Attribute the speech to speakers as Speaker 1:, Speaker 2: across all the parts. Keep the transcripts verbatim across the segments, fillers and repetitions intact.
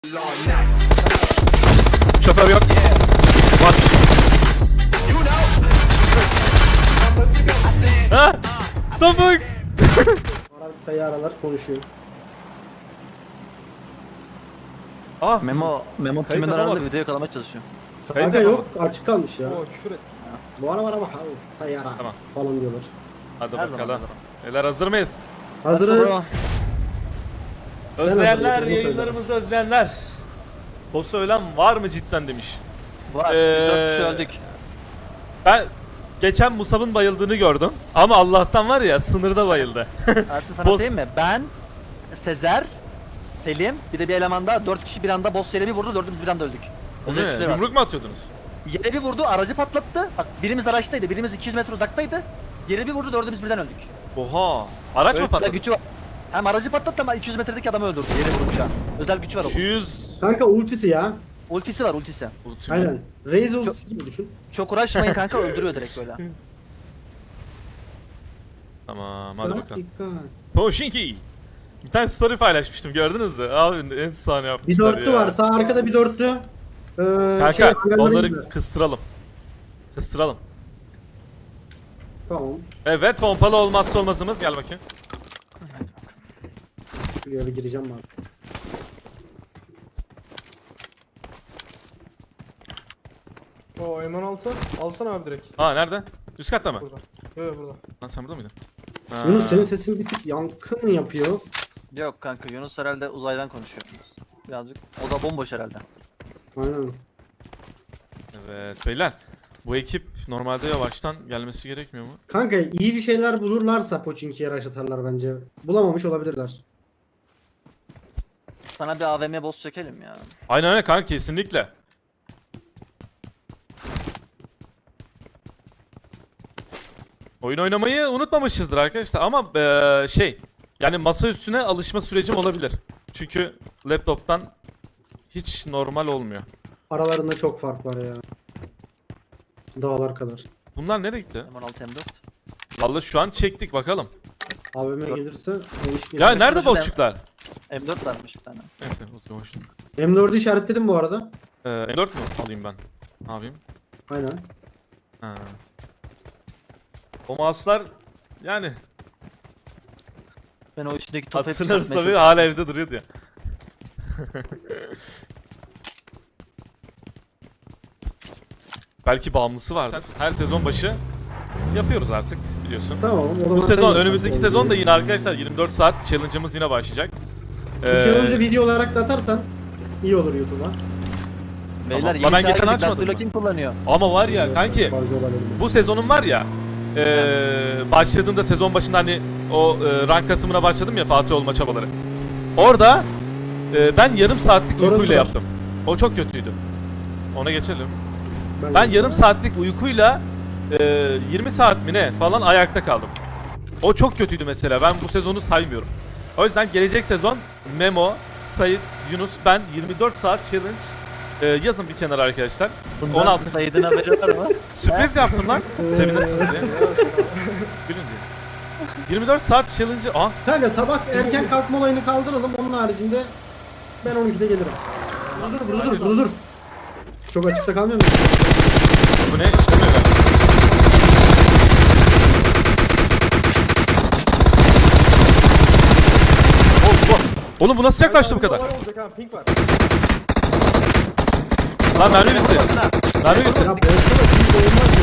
Speaker 1: Şoför yok. Var. Ha? Topuk.
Speaker 2: Aralar konuşuyor.
Speaker 1: Ah.
Speaker 3: Memo, Memo
Speaker 1: Kayıt
Speaker 3: tümün
Speaker 1: yapamadım.
Speaker 3: arasında video yakalamaya çalışıyor.
Speaker 1: Kayıt
Speaker 2: Kanka yok
Speaker 1: yapamadım.
Speaker 2: açık kalmış ya.
Speaker 4: Oo küfür et.
Speaker 2: Bu ara var ama abi tayyara
Speaker 1: Tamam.
Speaker 2: falan diyorlar.
Speaker 1: Hadi
Speaker 3: Her zaman
Speaker 1: bakalım.
Speaker 3: hazırım.
Speaker 1: Beyler hazır mıyız?
Speaker 2: Hazırız.
Speaker 1: Özleyenler,
Speaker 2: hazır mısın?
Speaker 1: yayınlarımızı özleyenler. Boss'u ölen var mı cidden demiş.
Speaker 3: Var,
Speaker 1: Ee,
Speaker 3: biz dört kişi öldük.
Speaker 1: Ben geçen Musab'ın bayıldığını gördüm. Ama Allah'tan var ya sınırda bayıldı.
Speaker 3: Ersin sana
Speaker 1: Boss-
Speaker 3: söyleyeyim mi? Ben, Sezer, Selim, bir de bir eleman daha, dört kişi bir anda boss yere bir vurdu, dördümüz bir anda öldük.
Speaker 1: O
Speaker 3: Özel
Speaker 1: ne?
Speaker 3: güçleri var.
Speaker 1: Yumruk mu atıyordunuz?
Speaker 3: Yere bir vurdu, aracı patlattı. Bak birimiz araçtaydı, birimiz iki yüz metre uzaktaydı. Yere bir vurdu, dördümüz birden öldük.
Speaker 1: Oha. Araç mı
Speaker 3: Öyle
Speaker 1: patladı?
Speaker 3: gücü var. Hem aracı patlattı ama iki yüz metredeki adamı öldürdü. Yere vurunca. Özel gücü var o.
Speaker 1: iki yüz.
Speaker 2: Kanka ultisi ya.
Speaker 3: Ultisi var, ultisi.
Speaker 1: Ultimate.
Speaker 2: Aynen. Raze ultisi gibi düşün.
Speaker 3: Çok uğraşmayın kanka, öldürüyor direkt böyle.
Speaker 1: Tamam hadi
Speaker 2: Bırak
Speaker 1: bakalım.
Speaker 2: dikkat.
Speaker 1: Poşinki. Bir tane story paylaşmıştım gördünüz mü? Abi efsane
Speaker 2: Bir
Speaker 1: yapmışlar
Speaker 2: dörtlü
Speaker 1: ya.
Speaker 2: var sağ arkada bir dörtlü. Ee,
Speaker 1: Kanka
Speaker 2: şey, hangarlara
Speaker 1: onları
Speaker 2: gidiyor.
Speaker 1: kıstıralım. Kıstıralım.
Speaker 2: Tamam.
Speaker 1: Evet pompalı olmazsa olmazımız. Gel bakayım.
Speaker 2: Şuraya bir gireceğim ben.
Speaker 4: Oo M on altı. Alsana abi direkt.
Speaker 1: Aa nerede? Üst katta mı?
Speaker 4: Burada. Yok yok burada.
Speaker 1: Lan sen burada mıydın? Ha.
Speaker 2: Yunus senin sesin bir tık yankı mı yapıyor?
Speaker 3: Yok kanka, Yunus herhalde uzaydan konuşuyor. Birazcık. O da bomboş herhalde.
Speaker 2: Aynen.
Speaker 1: Evet beyler. Bu ekip normalde yavaştan gelmesi gerekmiyor mu?
Speaker 2: Kanka iyi bir şeyler bulurlarsa Pochinki'ye rush atarlar bence. Bulamamış olabilirler.
Speaker 3: Sana bir A V M boss çekelim ya.
Speaker 1: Aynen öyle kanka kesinlikle. Oyun oynamayı unutmamışızdır arkadaşlar ama eee, şey yani masa üstüne alışma sürecim olabilir. Çünkü laptoptan hiç normal olmuyor.
Speaker 2: Aralarında çok fark var ya. Dağlar kadar.
Speaker 1: Bunlar nereye gitti?
Speaker 3: M on altı M dört.
Speaker 1: Vallahi şu an çektik bakalım.
Speaker 2: A V M gelirse o iş
Speaker 1: Ya
Speaker 2: gelir.
Speaker 1: nerede
Speaker 3: şurada-
Speaker 1: botçuklar?
Speaker 3: M dört varmış bir tane.
Speaker 1: Neyse o zaman hoş.
Speaker 2: M dördü işaretledim bu arada.
Speaker 1: Ee, M dört mü alayım ben? Ne yapayım?
Speaker 2: Aynen.
Speaker 1: Ha. O mouse'lar yani
Speaker 3: Ben o içindeki topu hep
Speaker 1: hatırlarız
Speaker 3: çıkartmaya
Speaker 1: tabii
Speaker 3: çalışıyorum.
Speaker 1: hala evde duruyordu ya. Belki bağımlısı vardır. Her sezon başı yapıyoruz artık biliyorsun.
Speaker 2: Tamam. O zaman
Speaker 1: Bu
Speaker 2: sen
Speaker 1: sezon
Speaker 2: yap
Speaker 1: önümüzdeki
Speaker 2: bakalım.
Speaker 1: sezon da yine arkadaşlar yirmi dört saat challenge'ımız yine başlayacak.
Speaker 2: Bu challenge'ı
Speaker 1: Ee,
Speaker 2: video olarak da atarsan iyi olur YouTube'a.
Speaker 3: Beyler
Speaker 1: Tamam.
Speaker 3: yeni
Speaker 1: Lan ben
Speaker 3: çağ
Speaker 1: geçen
Speaker 3: geldik,
Speaker 1: açmadım
Speaker 3: Daktilo
Speaker 1: ben.
Speaker 3: kim kullanıyor?
Speaker 1: ama var ya kanki
Speaker 2: Fazla olabilir.
Speaker 1: bu sezonun var ya ee, başladığımda sezon başında hani o e, rank kasımına başladım ya Fatih olma çabaları. Orada e, ben yarım saatlik
Speaker 2: Orası
Speaker 1: uykuyla
Speaker 2: var.
Speaker 1: yaptım. O çok kötüydü. Ona geçelim.
Speaker 2: Ben,
Speaker 1: Ben yarım saatlik uykuyla e, yirmi saat mi ne falan ayakta kaldım. O çok kötüydü mesela. Ben bu sezonu saymıyorum. O yüzden gelecek sezon Memo, Sait, Yunus, ben yirmi dört saat challenge e, yazın bir kenara arkadaşlar.
Speaker 3: Bundan
Speaker 1: on altı
Speaker 3: Said'ine veriyorlar mı?
Speaker 1: sürpriz yaptım lan. Sevinirsiniz diye. Gülün diye. yirmi dört saat challenge'ı... Aa
Speaker 2: Kanka sabah erken kalkma olayını kaldıralım. Onun haricinde ben on ikide gelirim. Dur dur dur dur dur. Çok açıkta kalmıyor mu?
Speaker 1: bu ne? İşlemiyor galiba. Oh, oh. Oğlum bu nasıl yaklaştı bu kadar?
Speaker 4: Var olacak ha pink var.
Speaker 1: Lan mermi bitti. Mermi bitti.
Speaker 2: Ya boşta da şimdi olmaz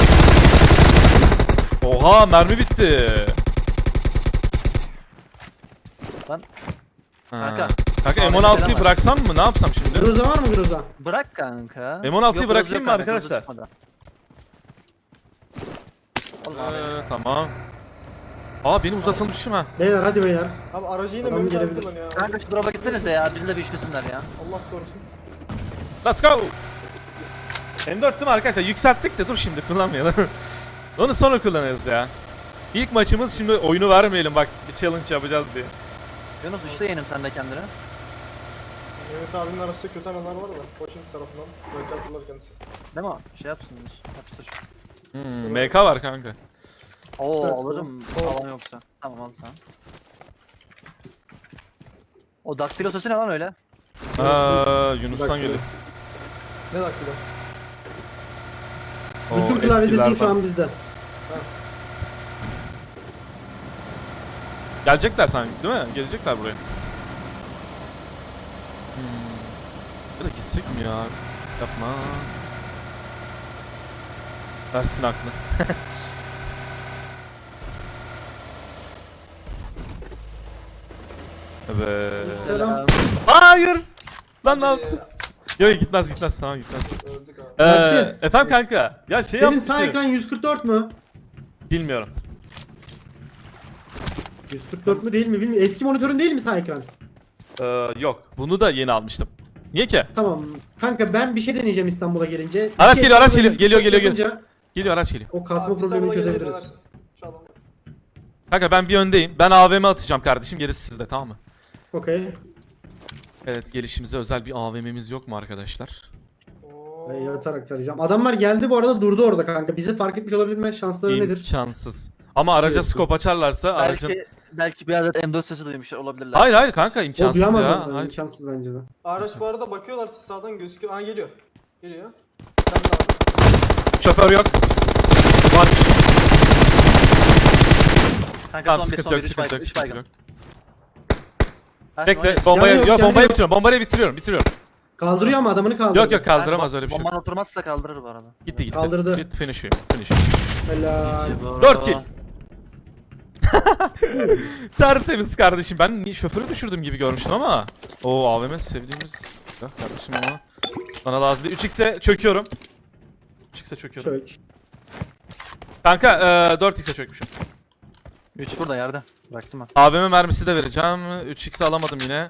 Speaker 2: ya.
Speaker 1: Oha mermi bitti.
Speaker 3: Lan
Speaker 1: Ha.
Speaker 3: Kanka.
Speaker 1: Kanka
Speaker 3: Ahmet
Speaker 1: M on altıyı
Speaker 3: selam var.
Speaker 1: bıraksam mı? Ne yapsam şimdi?
Speaker 2: Groza var mı Groza?
Speaker 3: bırak kanka.
Speaker 1: M on altıyı
Speaker 3: Yok,
Speaker 1: bırakayım
Speaker 3: yok
Speaker 1: mı
Speaker 3: kanka,
Speaker 1: arkadaşlar?
Speaker 3: gözü çıkmadı.
Speaker 1: Ee,
Speaker 3: Allah
Speaker 1: tamam. Aa benim uzatılmışım ha.
Speaker 2: Beyler hadi beyler.
Speaker 4: Abi aracı yine
Speaker 2: Adam
Speaker 4: Mehmet abi
Speaker 2: gelebilir.
Speaker 4: kullanıyor ya.
Speaker 3: Kanka şu drop'a gitsenize ya, bizi de bir işlesinler ya.
Speaker 4: Allah korusun.
Speaker 1: Let's go. M dört değil mi arkadaşlar? Yükselttik de dur şimdi kullanmayalım. Onu sonra kullanırız ya. İlk maçımız şimdi oyunu vermeyelim bak bir challenge yapacağız diye.
Speaker 3: Yunus işte yenim sen de kendine.
Speaker 4: Mehmet abinin arasında kötü anılar var da. Koçing tarafından. Böyle hatırlar kendisi.
Speaker 3: Değil mi? Şey yapsın Yunus. Yapıştır.
Speaker 1: Hmm, M K var kanka.
Speaker 3: Oo
Speaker 2: Evet,
Speaker 3: alırım
Speaker 2: o-
Speaker 3: falan yoksa. Tamam al sen. O daktilo sesi ne lan öyle?
Speaker 1: Aa, Yunus'tan
Speaker 2: Bak,
Speaker 1: geliyor.
Speaker 4: Ne dakika?
Speaker 1: Oo,
Speaker 2: Bütün klavye sesim şu
Speaker 1: eskilerden.
Speaker 2: an bizde.
Speaker 1: Gelecekler sanki değil mi? Gelecekler buraya. Hmm. Ya da gitsek mi ya? Yapma. Versin aklı. Evet.
Speaker 2: Selam.
Speaker 1: Hayır. Lan ne yaptın? Yok gitmez gitmez tamam gitmez.
Speaker 4: Öldük abi.
Speaker 1: Ee,
Speaker 2: Ersin.
Speaker 1: efendim kanka. Ya şey
Speaker 2: Senin
Speaker 1: yapmış.
Speaker 2: sağ ekran yüz kırk dört mü?
Speaker 1: Bilmiyorum.
Speaker 2: yüz kırk dört mü değil mi bilmiyorum. Eski monitörün değil mi sağ ekran?
Speaker 1: Ee, yok. Bunu da yeni almıştım. Niye ki?
Speaker 2: Tamam. Kanka ben bir şey deneyeceğim İstanbul'a gelince.
Speaker 1: Araç
Speaker 2: İki
Speaker 1: geliyor, araç
Speaker 2: ekranla
Speaker 1: geliyor. Geliyor,
Speaker 2: yüz kırk dört
Speaker 1: geliyor,
Speaker 2: yapınca
Speaker 1: Geliyor araç geliyor.
Speaker 2: O kasma
Speaker 4: Abi,
Speaker 2: problemini
Speaker 4: İstanbul'a gelene
Speaker 2: çözebiliriz.
Speaker 4: kadar şu adamı-
Speaker 1: Kanka ben bir öndeyim. Ben A V M atacağım kardeşim. Gerisi sizde tamam mı?
Speaker 2: Okey.
Speaker 1: Evet gelişimize özel bir A V M'miz yok mu arkadaşlar?
Speaker 4: Oo.
Speaker 2: Ben yatarak tarayacağım. Adamlar geldi bu arada durdu orada kanka. Bize fark etmiş olabilme şansları nedir?
Speaker 1: İmkansız. Ama araca
Speaker 2: Diyorsun.
Speaker 1: skop açarlarsa aracın...
Speaker 3: Belki belki biraz M dört sesi duymuşlar olabilirler.
Speaker 1: Hayır hayır kanka
Speaker 2: O
Speaker 1: imkansız
Speaker 2: duyamaz
Speaker 1: ya.
Speaker 2: ondan.
Speaker 1: Hayır.
Speaker 2: İmkansız bence de.
Speaker 4: Araç bu arada bakıyorlar sağdan gözüküyor. Aa geliyor. Geliyor. Sen de abi.
Speaker 1: Şoför yok. Var.
Speaker 3: Kanka
Speaker 1: Tamam
Speaker 3: son bir
Speaker 1: sıkıntı
Speaker 3: son
Speaker 1: yok
Speaker 3: bir üç
Speaker 1: sıkıntı
Speaker 3: baygın.
Speaker 1: yok
Speaker 3: üç
Speaker 1: sıkıntı
Speaker 3: baygın.
Speaker 1: yok.
Speaker 3: Ersin,
Speaker 1: Bekle
Speaker 3: oyna.
Speaker 1: bombayı
Speaker 2: Yanı yok,
Speaker 1: yok
Speaker 2: yanı
Speaker 1: bombayı
Speaker 2: yok.
Speaker 1: bitiriyorum bombayı bitiriyorum bitiriyorum.
Speaker 2: Kaldırıyor ama adamını kaldırıyor.
Speaker 1: Yok yok kaldıramaz öyle bir şey.
Speaker 3: Bomban
Speaker 1: yok.
Speaker 3: oturmazsa kaldırır bu arada.
Speaker 1: Gitti gitti.
Speaker 2: Kaldırdı.
Speaker 1: Gitti finish him, finish.
Speaker 2: Helal.
Speaker 1: dört kill. Tertemiz kardeşim. Ben ni- şoförü düşürdüm gibi görmüştüm ama. Oo A V M sevdiğimiz. Ya kardeşim ama. Bana lazım değil. üç x'e çöküyorum. üç x'e çöküyorum.
Speaker 2: Çök.
Speaker 1: Kanka e, dört x'e çökmüşüm.
Speaker 3: üç burada yerde. Bıraktım ben.
Speaker 1: A V M mermisi de vereceğim. üç x'i alamadım yine.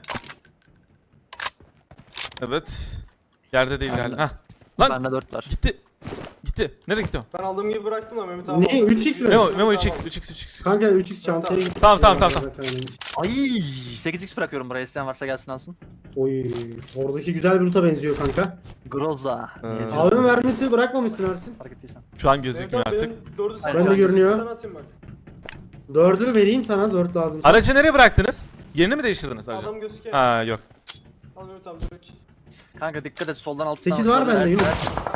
Speaker 1: Evet. Yerde değil galiba. Heh. Lan
Speaker 3: Bende dört var.
Speaker 1: gitti. Gitti. Nereye gitti o?
Speaker 4: Ben aldığım gibi bıraktım da Mehmet abi.
Speaker 2: Ne?
Speaker 4: aldı.
Speaker 2: üç x mi?
Speaker 1: Memo, Memo üç x, üç x, üç x.
Speaker 2: Kanka üç x çantaya gitti.
Speaker 1: Tamam, tamam, tamam, tamam.
Speaker 3: Ay sekiz x bırakıyorum buraya, isteyen varsa gelsin alsın.
Speaker 2: Oy. Oradaki güzel bir loot'a benziyor kanka.
Speaker 3: Groza.
Speaker 1: Ee,
Speaker 3: Niye diyorsun?
Speaker 2: A V M mermisi bırakmamışsın Ersin.
Speaker 3: Fark ettiysen.
Speaker 1: Şu an
Speaker 4: Mehmet
Speaker 1: gözükmüyor
Speaker 4: abi
Speaker 1: artık.
Speaker 4: benim dördü sana
Speaker 3: Ben de
Speaker 4: atayım.
Speaker 2: görünüyor.
Speaker 4: Sana atayım bak.
Speaker 2: Dördünü vereyim sana. Dört lazım.
Speaker 1: Aracı nereye bıraktınız? Yerini mi değiştirdiniz aracı?
Speaker 4: Adam gözüküyor.
Speaker 1: Ha yok.
Speaker 4: Al Mehmet abi direkt.
Speaker 3: Kanka dikkat et, soldan alttan.
Speaker 2: Sekiz var bende, Yunus.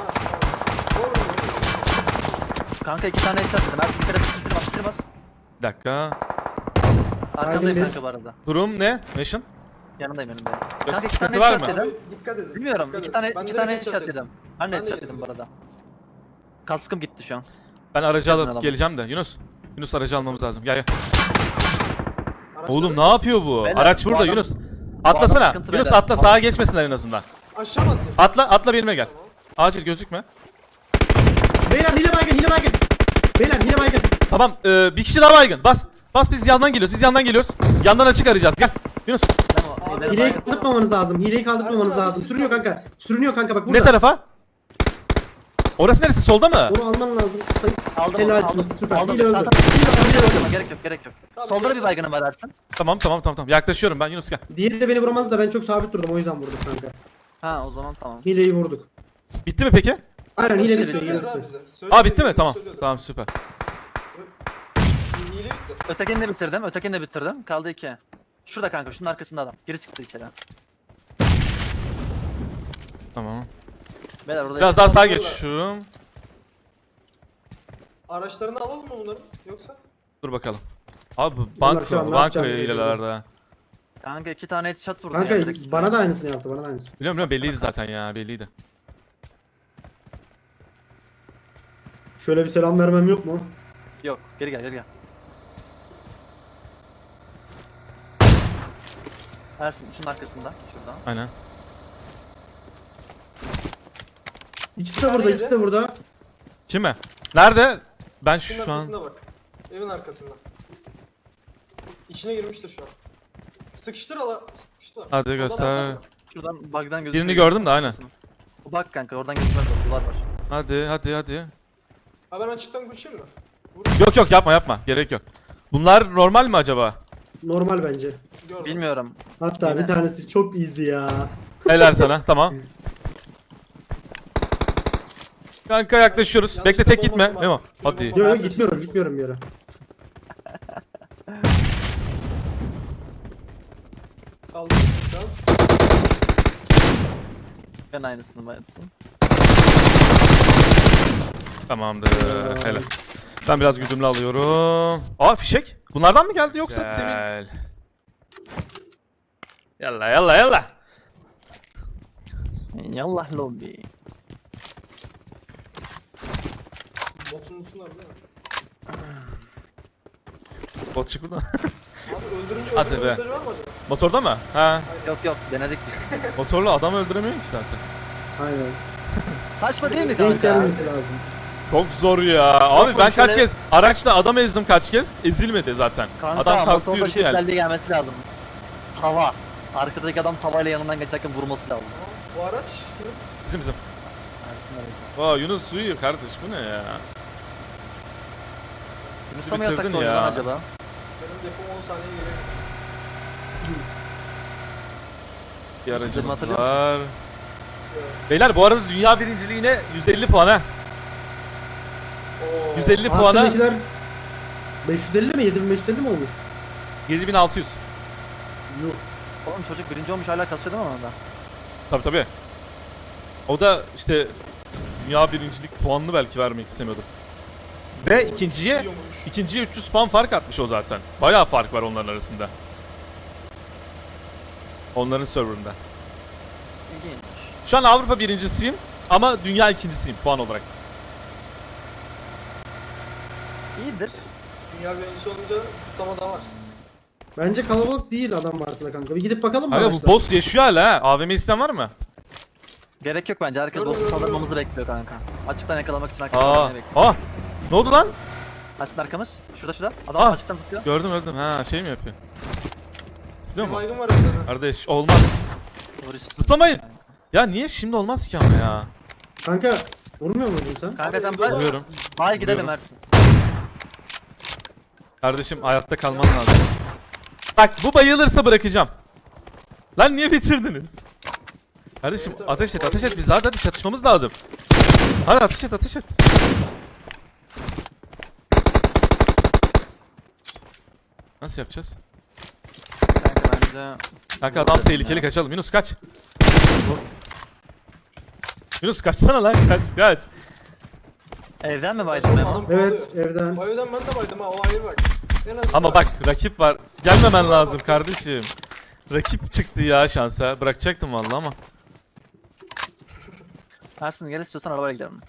Speaker 3: Kanka iki tane headshot dedim. Ersin dikkat et, bitirmez bitirmez.
Speaker 1: Bir dakika.
Speaker 3: Arkandayım
Speaker 2: bir.
Speaker 3: kanka bu arada.
Speaker 1: Durum ne? Mission?
Speaker 3: Yanındayım önümde.
Speaker 1: Yok,
Speaker 3: Kanka iki
Speaker 1: sıkıntı
Speaker 3: tane
Speaker 1: var
Speaker 3: headshot
Speaker 1: mı?
Speaker 3: dedim.
Speaker 4: Abi, dikkat edin.
Speaker 3: Bilmiyorum.
Speaker 4: dikkat
Speaker 3: iki
Speaker 4: edin.
Speaker 3: tane
Speaker 4: Ben
Speaker 3: iki
Speaker 4: de
Speaker 3: tane
Speaker 4: direkt
Speaker 3: headshot
Speaker 4: yedim.
Speaker 3: yedim. Ben de
Speaker 4: Ben de
Speaker 3: headshot
Speaker 4: yedim
Speaker 3: yedim bu
Speaker 4: direkt.
Speaker 3: arada. Kaskım gitti şu an.
Speaker 1: Ben aracı
Speaker 3: Gelin
Speaker 1: alıp
Speaker 3: alalım.
Speaker 1: geleceğim de. Yunus. Yunus aracı almamız lazım. Gel gel.
Speaker 4: Araçları-
Speaker 1: Oğlum ne yapıyor bu?
Speaker 3: Beyler,
Speaker 1: Araç
Speaker 3: bu
Speaker 1: burada
Speaker 3: adam-
Speaker 1: Yunus.
Speaker 3: bu adam
Speaker 1: Atlasana.
Speaker 3: sıkıntı
Speaker 1: Yunus
Speaker 3: beyler.
Speaker 1: atla sağa geçmesinler en azından.
Speaker 4: Aşağı mı atlayayım?
Speaker 1: Atla atla benimle gel. Acil gözükme.
Speaker 2: Beyler hile baygın. Hile baygın. Beyler hile baygın.
Speaker 1: Tamam e, bir kişi daha baygın. Bas. Bas biz yandan geliyoruz. Biz yandan geliyoruz. Yandan açık arayacağız. Gel. Yunus.
Speaker 3: Memo,
Speaker 4: Abi,
Speaker 3: ileri
Speaker 2: Hileyi
Speaker 3: bak.
Speaker 2: kaldırmamanız lazım. Hileyi kaldırmamanız
Speaker 4: Ersin abi,
Speaker 2: lazım.
Speaker 4: siz
Speaker 2: Sürünüyor
Speaker 4: kaldırın.
Speaker 2: kanka. Sürünüyor kanka bak burada.
Speaker 1: Ne tarafa? Orası neresi? Solda mı?
Speaker 2: Onu alman lazım.
Speaker 3: Aldım onu,
Speaker 2: Helalsiniz,
Speaker 3: aldım.
Speaker 2: süper.
Speaker 3: Aldım.
Speaker 2: Hile öldü.
Speaker 3: Tamam, tamam. Hile öldü. Gerek yok, gerek yok.
Speaker 4: Tamam,
Speaker 3: Solda da
Speaker 4: gerek
Speaker 3: bir
Speaker 4: yok.
Speaker 3: baygınım var Ersin.
Speaker 1: Tamam tamam tamam tamam. Yaklaşıyorum ben Yunus gel.
Speaker 2: Diğeri de beni vuramaz da ben çok sabit durdum o yüzden vurduk kanka.
Speaker 3: Ha o zaman tamam.
Speaker 2: Hileyi vurduk.
Speaker 1: Bitti mi peki?
Speaker 2: Aynen hile bitti. Hile
Speaker 4: Söylüyor abi
Speaker 2: bitti.
Speaker 4: bize. Söylüyor,
Speaker 1: Aa bitti mi?
Speaker 4: söylüyor,
Speaker 1: Tamam.
Speaker 4: söylüyordu.
Speaker 1: Tamam süper.
Speaker 4: Hile bitti.
Speaker 3: Ötekini de bitirdim, ötekini de bitirdim. Kaldı iki. Şurada kanka, şunun arkasında adam. Geri çıktı içeri.
Speaker 1: Tamam.
Speaker 3: Beyler orada
Speaker 1: Biraz daha sağa geçiyorum.
Speaker 4: Araçlarını alalım mı bunların? Yoksa?
Speaker 1: Dur bakalım. Abi bu
Speaker 2: Bunlar şu an
Speaker 1: banko,
Speaker 2: ne
Speaker 1: banko
Speaker 2: yapacağını
Speaker 1: hilelerde.
Speaker 3: Kanka iki tane headshot vurdum
Speaker 2: Kanka
Speaker 3: ya. direkt.
Speaker 2: bana da aynısını yaptı bana da aynısını.
Speaker 1: Biliyorum biliyorum belliydi zaten ya belliydi.
Speaker 2: Şöyle bir selam vermem yok mu?
Speaker 3: Yok, geri gel, geri gel. Ersin şunun arkasında, şurada.
Speaker 1: Aynen.
Speaker 2: İkisi de burada, ikisi de burada.
Speaker 1: Kime? Nerede? Ben
Speaker 4: Şunun
Speaker 1: şu an...
Speaker 4: arkasında bak. Evin arkasında. İçine girmiştir şu an. Sıkıştır ala. Sıkıştır.
Speaker 1: Hadi
Speaker 4: Soldan
Speaker 1: göster.
Speaker 4: alsana.
Speaker 3: Şuradan bug'dan gözüküyor.
Speaker 1: Birini gördüm de aynen.
Speaker 3: Bak kanka, oradan gözükmez, duvar var.
Speaker 1: Hadi hadi hadi.
Speaker 4: Ha ben açıktan koşayım mı? Vur.
Speaker 1: Yok yok yapma yapma. Gerek yok. Bunlar normal mi acaba?
Speaker 2: Normal bence.
Speaker 4: Gör.
Speaker 3: Bilmiyorum.
Speaker 2: Hatta
Speaker 3: Yine.
Speaker 2: bir tanesi çok easy ya.
Speaker 1: Helal sana. Tamam. Kanka yaklaşıyoruz.
Speaker 4: Yanlışlıkla
Speaker 1: Bekle tek gitme.
Speaker 4: bomba
Speaker 1: Memo.
Speaker 4: atma.
Speaker 1: Hadi.
Speaker 2: Yok yok gitmiyorum gitmiyorum bir yere.
Speaker 4: Kaldı şu an.
Speaker 3: Ben aynısını yapsın.
Speaker 1: Tamamdır. Helal. Ben biraz güdümlü alıyorum. Aa fişek. Bunlardan mı geldi yoksa demin?
Speaker 5: Gel.
Speaker 1: Yalla yalla yalla.
Speaker 3: Yallah lobi.
Speaker 4: Botun üstüne abi değil mi?
Speaker 1: Bot çık buradan.
Speaker 4: Abi öldürünce
Speaker 1: Hadi
Speaker 4: öldürme
Speaker 1: be.
Speaker 4: mesajı var mı acaba?
Speaker 1: Motorda mı? Ha.
Speaker 3: Yok yok denedik biz.
Speaker 1: Motorlu adam öldüremiyor ki zaten.
Speaker 2: Aynen.
Speaker 3: Saçma değil mi
Speaker 2: Denk
Speaker 3: kanka?
Speaker 2: gelmesi lazım.
Speaker 1: Çok zor ya. Abi ben kaç
Speaker 3: şöyle-
Speaker 1: kez araçla adam ezdim kaç kez. Ezilmedi zaten.
Speaker 3: Kanka
Speaker 1: Adam kalktı
Speaker 3: motorda
Speaker 1: yürüdü
Speaker 3: şey
Speaker 1: yani.
Speaker 3: özelliği gelmesi lazım. Tava. Arkadaki adam tavayla yanından geçerken vurması lazım.
Speaker 4: Bu araç kimin?
Speaker 1: Bizim bizim.
Speaker 3: Ersin aracı.
Speaker 1: Aa Yunus uyuyor kardeş bu ne ya?
Speaker 3: Yunus'ta mı
Speaker 1: bitirdin
Speaker 3: yatakta
Speaker 1: ya.
Speaker 3: oynuyor lan acaba?
Speaker 4: Benim depom on saniye geliyor.
Speaker 1: Bir
Speaker 3: Yunus,
Speaker 1: aracımız
Speaker 3: hatırlıyor
Speaker 1: var. Beyler bu arada dünya birinciliğine yüz elli puan ha.
Speaker 4: Oo.
Speaker 1: yüz elli puana
Speaker 2: Aslındakiler beş yüz elli mi? yedi bin beş yüz elli mi olmuş?
Speaker 1: yedi bin altı yüz.
Speaker 2: Yuh.
Speaker 3: Oğlum çocuk birinci olmuş hala kasıyor değil mi onda?
Speaker 1: Tabi tabi. O da işte dünya birincilik puanını belki vermek istemiyordu. Ve ikinciye
Speaker 4: Yiyormuş.
Speaker 1: ikinciye üç yüz puan fark atmış o zaten. Bayağı fark var onların arasında. Onların serverında.
Speaker 3: İlginç.
Speaker 1: Şu an Avrupa birincisiyim ama dünya ikincisiyim puan olarak.
Speaker 3: İyidir.
Speaker 4: Dünya birincisi olunca kutlama da var.
Speaker 2: Bence kalabalık değil adam varsa kanka. Bir gidip bakalım mı?
Speaker 1: Aga bu
Speaker 2: araçta?
Speaker 1: boss yaşıyor hala ha. A V M isteyen var mı?
Speaker 3: Gerek yok bence. Herkes
Speaker 4: Dur,
Speaker 3: boss'u
Speaker 4: dur, dur.
Speaker 3: saldırmamızı bekliyor kanka. Açıktan yakalamak için herkes
Speaker 1: Aa.
Speaker 3: saldırmayı bekliyor.
Speaker 1: Aa. Ne oldu lan?
Speaker 3: Açsın arkamız. Şurada şurada. Adam
Speaker 1: Aa.
Speaker 3: açıktan zıplıyor.
Speaker 1: Gördüm gördüm. Ha şey mi yapıyor? Biliyor
Speaker 4: Bir
Speaker 1: musun?
Speaker 4: baygın var evde.
Speaker 1: Kardeş olmaz.
Speaker 3: Vuruş.
Speaker 1: Zıplamayın. Ya niye şimdi olmaz ki ama ya?
Speaker 2: Kanka vurmuyor muydun sen?
Speaker 3: Kanka sen
Speaker 4: Abi,
Speaker 3: bay.
Speaker 1: Vuruyorum.
Speaker 3: Bay gidelim
Speaker 1: Vuruyorum.
Speaker 3: Ersin.
Speaker 1: Kardeşim hayatta kalman lazım. Bak bu bayılırsa bırakacağım. Lan niye bitirdiniz? Kardeşim
Speaker 4: Evet, evet.
Speaker 1: ateş et ateş et biz hadi hadi çatışmamız lazım. Hadi ateş et ateş et. Nasıl yapacağız?
Speaker 3: Kanka bence...
Speaker 1: Kanka adam tehlikeli kaçalım. Yunus kaç. Yunus kaçsana lan kaç kaç.
Speaker 3: Evden mi baydın Memo?
Speaker 4: Adam
Speaker 2: Evet
Speaker 4: kovalıyor.
Speaker 2: evden.
Speaker 4: O evden ben de baydım ha o ayrı bak. En azından
Speaker 1: Ama bak rakip var. Gelmemen lazım kardeşim. Rakip çıktı ya şansa. Bırakacaktım vallahi ama.
Speaker 3: Ersin gel istiyorsan arabayla gidelim.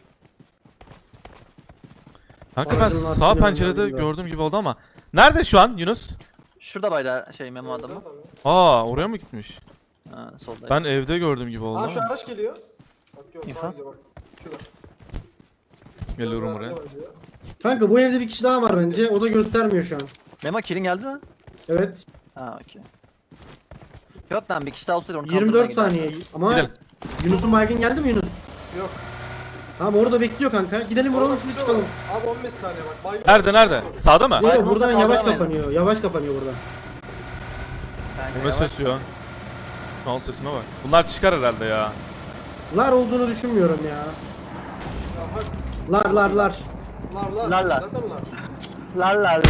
Speaker 1: Kanka ben
Speaker 2: Aracın
Speaker 1: sağ
Speaker 2: lastiğini
Speaker 1: pencerede
Speaker 2: önden
Speaker 1: gördüğüm gibi oldu ama. Nerede şu an Yunus?
Speaker 3: Şurada bayda şey Memo adamı.
Speaker 1: Aa oraya mı gitmiş?
Speaker 3: Ha solda.
Speaker 1: Ben evde gördüğüm gibi oldu
Speaker 4: Aa şu
Speaker 1: ama.
Speaker 4: araç geliyor. Bak yok
Speaker 3: İnfo.
Speaker 4: sadece bak. Şurada.
Speaker 1: Geliyorum
Speaker 4: Şurada
Speaker 1: oraya.
Speaker 4: araba var.
Speaker 2: Kanka bu evde bir kişi daha var bence. O da göstermiyor şu an.
Speaker 3: Memo killing geldi mi?
Speaker 2: Evet.
Speaker 3: Ha okey. Yok lan bir kişi daha olsaydı onu
Speaker 2: yirmi dört
Speaker 3: kaldırmaya
Speaker 2: saniye.
Speaker 3: giderdim.
Speaker 2: Ama
Speaker 1: Gidelim.
Speaker 2: Yunus'un baygın geldi mi Yunus?
Speaker 4: Yok.
Speaker 2: Tamam orada bekliyor kanka. Gidelim vuralım şunu
Speaker 4: Şurada
Speaker 2: çıkalım.
Speaker 4: var. Abi on beş saniye bak. Baygın.
Speaker 1: Nerede nerede? Sağda mı?
Speaker 2: Yok
Speaker 3: Baygın
Speaker 2: buradan
Speaker 3: olsa
Speaker 2: yavaş
Speaker 3: kaldıramayız.
Speaker 2: kapanıyor. Yavaş kapanıyor buradan.
Speaker 3: Kanka,
Speaker 1: Bu ne
Speaker 3: yavaş.
Speaker 1: ses ya? Al sesine bak. Bunlar çıkar herhalde ya.
Speaker 2: Lar olduğunu düşünmüyorum ya.
Speaker 4: Ya bak.
Speaker 2: Lar lar lar.
Speaker 4: Lar lar.
Speaker 3: Lar, lar.
Speaker 4: Zaten lar.
Speaker 3: La la la.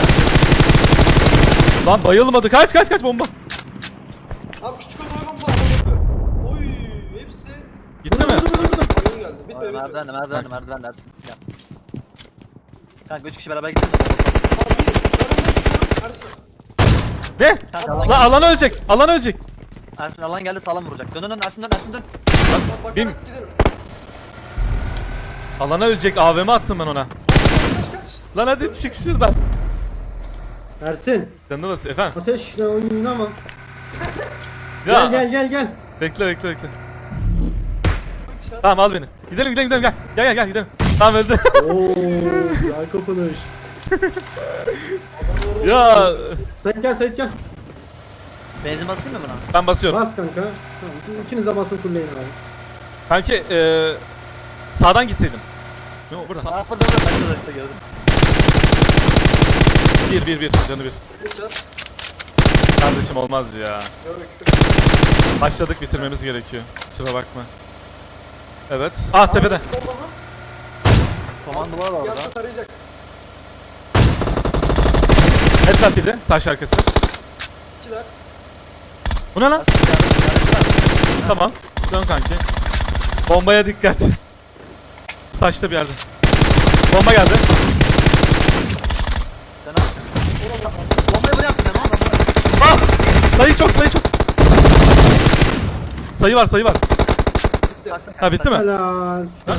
Speaker 1: Lan bayılmadı. Kaç kaç kaç bomba.
Speaker 4: Abi küçük odaya bomba atamadı. Oy hepsi.
Speaker 1: Gitti mi?
Speaker 4: Baygın geldi. Bitme
Speaker 3: Oy,
Speaker 4: bitme.
Speaker 3: Merdiven merdiven merdiven Ersin. Gel. Kanka üç kişi beraber gidelim de.
Speaker 4: Abi Ersin.
Speaker 1: Ne?
Speaker 3: Kanka alan,
Speaker 1: Lan alan ölecek. Alan ölecek.
Speaker 3: Ersin alan geldi sağlam vuracak. Dön dön dön Ersin dön Ersin dön.
Speaker 4: Bak bak
Speaker 1: Bin-
Speaker 4: gidelim.
Speaker 1: Alana ölecek. A V M attım ben ona. Lan hadi çık şuradan.
Speaker 2: Ersin.
Speaker 1: Canını nasıl efendim?
Speaker 2: Ateşle oynama.
Speaker 1: Ya.
Speaker 2: Gel gel gel gel.
Speaker 1: Bekle bekle bekle. Tamam al beni. Gidelim gidelim gidelim gel. Gel gel gel gidelim. Tamam öldü.
Speaker 2: Oo, güzel kapanış.
Speaker 1: Ya
Speaker 2: Sen gel sen gel.
Speaker 3: Benzin basayım mı buna?
Speaker 1: ben basıyorum.
Speaker 2: Bas kanka. Tamam siz ikiniz de basın kulleyin abi.
Speaker 1: Kanki eee sağdan gitseydim. Yok burada.
Speaker 3: Aa fırladı ben de işte gördüm.
Speaker 1: Bir bir bir canı bir.
Speaker 4: Geçer.
Speaker 1: Kardeşim olmaz ya.
Speaker 4: Gördük.
Speaker 1: Başladık bitirmemiz gerekiyor. Kusura bakma. Evet. Ah tepede.
Speaker 4: Bomba mı?
Speaker 3: Komandolar var orada.
Speaker 4: Yansa tarayacak.
Speaker 1: Headshot yedi. Taş arkası.
Speaker 4: İkiler.
Speaker 1: Bu ne lan?
Speaker 3: Ersin, yardım- yardım var.
Speaker 1: Tamam. Dön kanki. Bombaya dikkat. Taşta bir yerde. Bomba geldi.
Speaker 3: Sen al. Bombayı buraya attın ama.
Speaker 1: Ah! Sayı çok sayı çok. Sayı var sayı var. Ha bitti mi?
Speaker 2: Helal. Süper.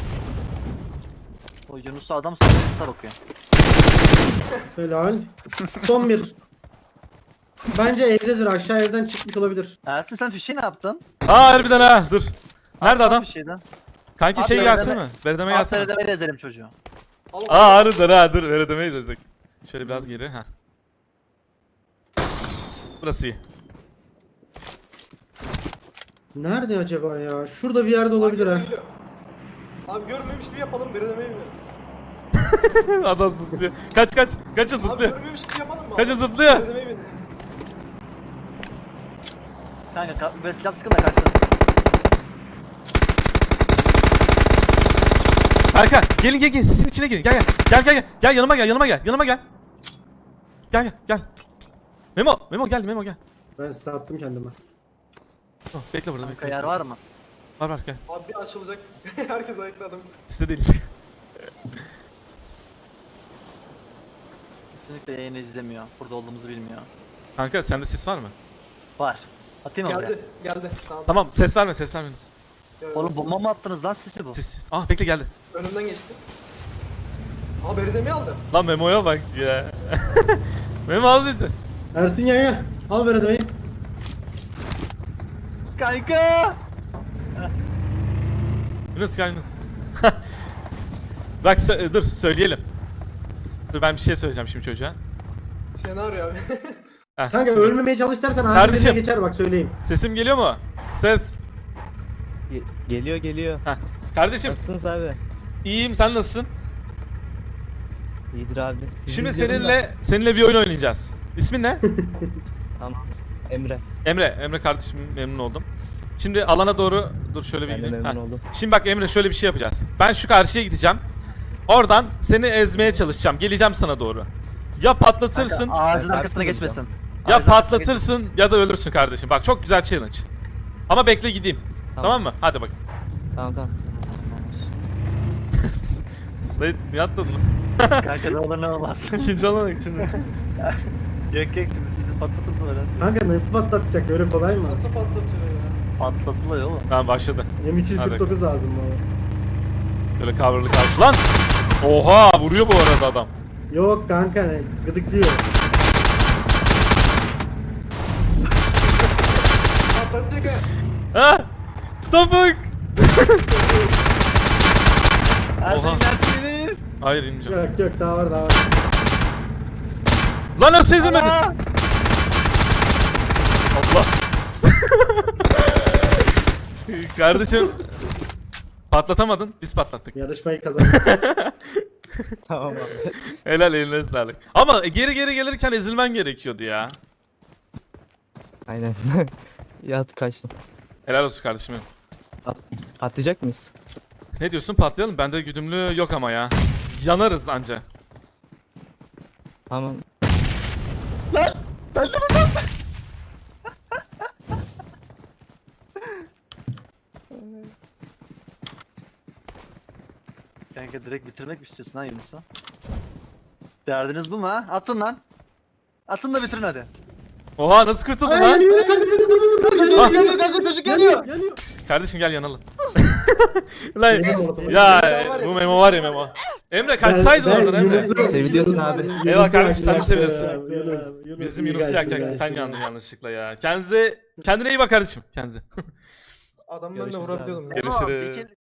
Speaker 3: O Yunus'a adam sana Yunus'a bakıyor.
Speaker 2: Helal. Son bir. Bence evdedir. Aşağı evden çıkmış olabilir.
Speaker 3: Ersin sen fişeği ne yaptın?
Speaker 1: Aa harbiden ha dur. Nerede adam?
Speaker 3: Fişeğden.
Speaker 1: Kanki
Speaker 3: Abi,
Speaker 1: şey
Speaker 3: beredeme-
Speaker 1: gelsene mi? Beredeme
Speaker 3: Al
Speaker 1: gelsene.
Speaker 3: seyredemeyle ezelim çocuğu.
Speaker 4: Al,
Speaker 1: Aa harbiden ha dur beredemeyiz desek. Şöyle biraz geri ha. Burası iyi.
Speaker 2: Nerede acaba ya? Şurada bir yerde olabilir ha.
Speaker 4: Geliyor. Abi görmemiş gibi yapalım. Beredemeyi mi?
Speaker 1: Adam zıplıyor. Kaç kaç. Kaça
Speaker 4: Abi
Speaker 1: zıplıyor.
Speaker 4: görmemiş gibi yapalım mı?
Speaker 1: Kaça zıplıyor.
Speaker 4: Beredemeyi mi?
Speaker 3: Kanka ka böyle silah sıkın da kaçtın.
Speaker 1: Kanka gelin gel gel sisin içine girin. Gel gel. Gel gel gel. Gel yanıma gel yanıma gel. Yanıma gel. Gel gel gel. Memo Memo gel Memo gel.
Speaker 2: Ben sattım kendime.
Speaker 1: Oh, bekle burada
Speaker 3: Kanka
Speaker 1: bekle.
Speaker 3: yer var mı?
Speaker 1: Var var gel.
Speaker 4: Abi bir açılacak. Herkes ayakta adam.
Speaker 1: Liste değiliz.
Speaker 3: Kesinlikle yayını izlemiyor. Burada olduğumuzu bilmiyor.
Speaker 1: Kanka sende ses var mı?
Speaker 3: Var. Atayım mı buraya?
Speaker 4: Geldi. Geldi. Tamam.
Speaker 1: Tamam ses verme ses verme.
Speaker 4: Gel,
Speaker 3: Oğlum bomba mı attınız lan siz mi bu?
Speaker 1: Ses ses. Ah bekle geldi.
Speaker 4: Önümden geçti. Aa beredemeyi aldı.
Speaker 1: Lan Memo'ya bak ya. Memo al bizi.
Speaker 2: Ersin gel gel. Al beredemeyi.
Speaker 3: Kanka!
Speaker 1: Yunus gel Yunus. Bak sö- dur söyleyelim. Dur ben bir şey söyleyeceğim şimdi çocuğa.
Speaker 4: Senaryo abi.
Speaker 1: Heh,
Speaker 2: Kanka
Speaker 1: şimdi-
Speaker 2: ölmemeye çalış dersen
Speaker 1: Kardeşim.
Speaker 2: ağzına geçer bak söyleyeyim.
Speaker 1: Sesim geliyor mu? Ses.
Speaker 5: Ge- geliyor geliyor.
Speaker 1: Heh. Kardeşim
Speaker 5: Nasılsınız abi?
Speaker 1: iyiyim sen nasılsın?
Speaker 5: İyidir abi. Sizi
Speaker 1: Şimdi
Speaker 5: izliyorum da.
Speaker 1: seninle seninle bir oyun oynayacağız. İsmin ne?
Speaker 5: Tamam. Emre.
Speaker 1: Emre. Emre kardeşim memnun oldum. Şimdi alana doğru dur şöyle bir
Speaker 5: Ben de
Speaker 1: gideyim.
Speaker 5: memnun
Speaker 1: Heh.
Speaker 5: oldum.
Speaker 1: Şimdi bak Emre şöyle bir şey yapacağız. Ben şu karşıya gideceğim. Oradan seni ezmeye çalışacağım. Geleceğim sana doğru. Ya patlatırsın,
Speaker 3: Kanka, ağacın
Speaker 5: Ben
Speaker 3: arkasına
Speaker 5: karşıda
Speaker 3: geçmesin.
Speaker 1: ya
Speaker 3: Ağacın arkasına
Speaker 1: patlatırsın ya da ölürsün kardeşim. Bak çok güzel challenge. Ama bekle gideyim. Tamam,
Speaker 5: Tamam.
Speaker 1: mı? Hadi bak.
Speaker 5: Tamam tamam.
Speaker 1: Sait niye atladın lan?
Speaker 3: geç. Kanka ne olur ne olmaz.
Speaker 1: İkinci alana bak şimdi.
Speaker 3: Yok yok şimdi sizi patlatırsın öyle.
Speaker 2: Kanka nasıl patlatacak öyle kolay mı?
Speaker 4: Nasıl patlatıyor ya?
Speaker 3: Patlatılıyor oğlum.
Speaker 1: Tamam başladı.
Speaker 2: M iki yüz kırk dokuz lazım bana.
Speaker 1: Böyle coverlı kaldı. Lan! Oha vuruyor bu arada adam.
Speaker 2: Yok kanka ne gıdıklıyor.
Speaker 4: Patlatacak ha.
Speaker 1: Ha? Topuk!
Speaker 3: Her
Speaker 1: Oha.
Speaker 3: şeyin dersini.
Speaker 1: Hayır ineceğim.
Speaker 2: Yok yok daha var daha var.
Speaker 1: Lan nasıl ezemedin?
Speaker 3: Aa!
Speaker 1: Allah. Kardeşim patlatamadın, biz patlattık.
Speaker 2: Yarışmayı kazandık.
Speaker 5: Tamam abi.
Speaker 1: Helal eline sağlık. Ama geri geri gelirken ezilmen gerekiyordu ya.
Speaker 5: Aynen. Yat kaçtım.
Speaker 1: Helal olsun kardeşim. benim.
Speaker 5: At atlayacak mıyız?
Speaker 1: Ne diyorsun patlayalım? Bende güdümlü yok ama ya. Yanarız anca.
Speaker 5: Tamam.
Speaker 3: Kanka direkt bitirmek mi istiyorsun ha Yunus'u? Derdiniz bu mu ha? Atın lan. Atın da bitirin hadi.
Speaker 1: Oha nasıl kurtuldun
Speaker 2: Ay,
Speaker 1: lan?
Speaker 2: geliyor kanka geliyor
Speaker 1: Ah.
Speaker 3: Geliyor kanka çocuk
Speaker 2: geliyor.
Speaker 3: geliyor.
Speaker 2: Geliyor.
Speaker 1: Kardeşim gel yanalım. Lan
Speaker 2: Benim ortamım.
Speaker 1: ya bu Memo var ya Memo. Emre kaçsaydın oradan Emre.
Speaker 5: Seviliyorsun abi.
Speaker 1: Eyvallah kardeşim, sen de seviyorsun.
Speaker 2: Yunus,
Speaker 1: Bizim
Speaker 2: iyi
Speaker 1: Yunus'u
Speaker 2: kaçtı,
Speaker 1: yakacak. Sen
Speaker 2: kaçtı.
Speaker 1: yandın yanlışlıkla ya. Kendinize kendine iyi bak kardeşim. Kendinize.
Speaker 4: Adamı ben de
Speaker 5: Görüşürüz
Speaker 4: vurabiliyordum. ya.
Speaker 1: Görüşürüz.
Speaker 3: Memo, bir kill-